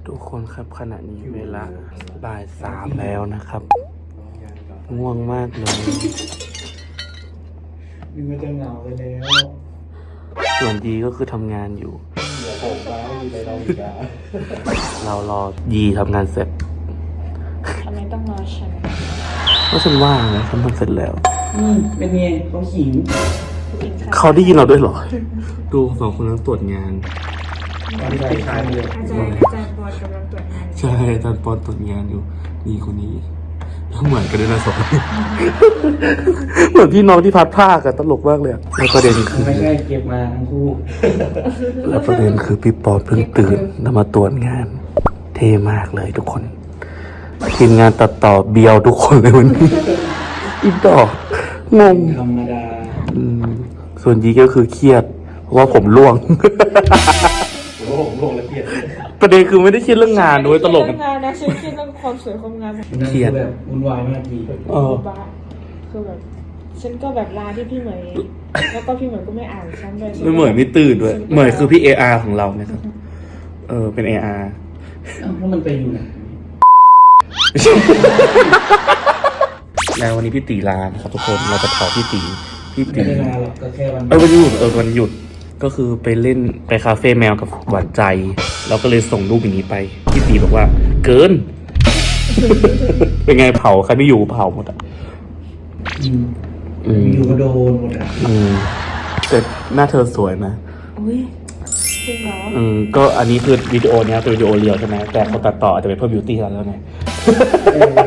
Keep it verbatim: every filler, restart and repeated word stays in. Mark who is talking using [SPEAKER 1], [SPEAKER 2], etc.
[SPEAKER 1] ทุกคนครับขณะนี้เวลาบ่ายสามแล้วนะครับง่วงมากเลย
[SPEAKER 2] มีมันจะเหงาไปแล้ว
[SPEAKER 1] ส่วนดีก็คือทำงานอยู่
[SPEAKER 2] เดี๋ยวผมมาไม่มีอะไรเราอีกอ่ะ
[SPEAKER 1] เรารอยีทำงานเสร็จ
[SPEAKER 3] ทำไมต้องรอฉัน
[SPEAKER 1] ก็ฉันว่างนะฉันทำเสร็จแล้ว
[SPEAKER 2] นี่เป็นไงเขาขิง
[SPEAKER 3] กินข้าว
[SPEAKER 1] เขาได้ยินเราด้วยเหรอ ดูสองคนนั้นตรวจงาน
[SPEAKER 2] ตอนที่ไปขายเลย
[SPEAKER 3] อาจารย์อาจารย์บอลกำลังตรวจงาน
[SPEAKER 1] ใช่อาจารย์ปอนตรวจงานอยู่นี่คนนี้แล้วเหมือนกันด้วยนะสอง เหมือนพี่น้องที่พัดผ้ากันตลกมากเลยอะแล้วประเด็นคือ
[SPEAKER 2] ไม่ใช่เก็บมาทั้งคู่
[SPEAKER 1] แล้วประเด็นคือพี่ปอนเพิ่งตื่นแล้วมาตรวจงาน เท่มากเลยทุกคน ทีมงานตัดต่อเบียวทุกคนเลยวันนี้ อีดอกงง
[SPEAKER 2] ธรรมดา
[SPEAKER 1] อืมส่วนยีก็คือเครียด เพราะว่าผมร่วง
[SPEAKER 2] โอ้โหผมลงละเอียด
[SPEAKER 1] ประเด็นคือไม่ได้เครียดเรื่องงานด้วยตลก
[SPEAKER 3] เรื่องงานนะฉันคิดเรื่องความสวยความงาม
[SPEAKER 1] เครียด
[SPEAKER 2] แบบวุ่นวายมากที
[SPEAKER 1] เออ
[SPEAKER 3] บ้าคือแบบฉันก็แบบลาที่พี่เหมยแล้วก็พี่เหมยก็ไม่อ่านฉันเลย
[SPEAKER 1] ไม่เหมือนไม่ตื่นด้วย เหมือนคือพี่ เอ อาร์ ของเราเนี่ยครับ เออเป็น เอ อาร์
[SPEAKER 2] เอ้าแล้วมันไปอยู่ไหน
[SPEAKER 1] แล้ววันนี้พี่ตีลานะครับทุกคนเราจะเผาพี่ตีพี่
[SPEAKER 2] ไม่
[SPEAKER 1] ตี
[SPEAKER 2] ได้มาหรอกก็แค่วัน
[SPEAKER 1] เออวันหยุดเออวันหยุดก็คือไปเล่นไปคาเฟ่แมวกับหวานใจ เราก็เลยส่งรูปอย่างนี้ไปพี่ตีบอกว่า เกิน เป็นไงเผาใครไม่อยู่เผาหมดอ่ะ
[SPEAKER 2] อืม
[SPEAKER 1] อืม
[SPEAKER 2] อยู่ก็โดนหมดอ่ะ
[SPEAKER 1] อืมแต่หน้าเธอสวยนะ
[SPEAKER 3] อุ้ยจริงเหรอ
[SPEAKER 1] อืมก็อันนี้คือวิดีโอเนี้ยเป็นวิดีโอเรียวใช่ไหมแต่เขาตัดต่ออาจจะไปเพิ่มบิวตี้แล้วไง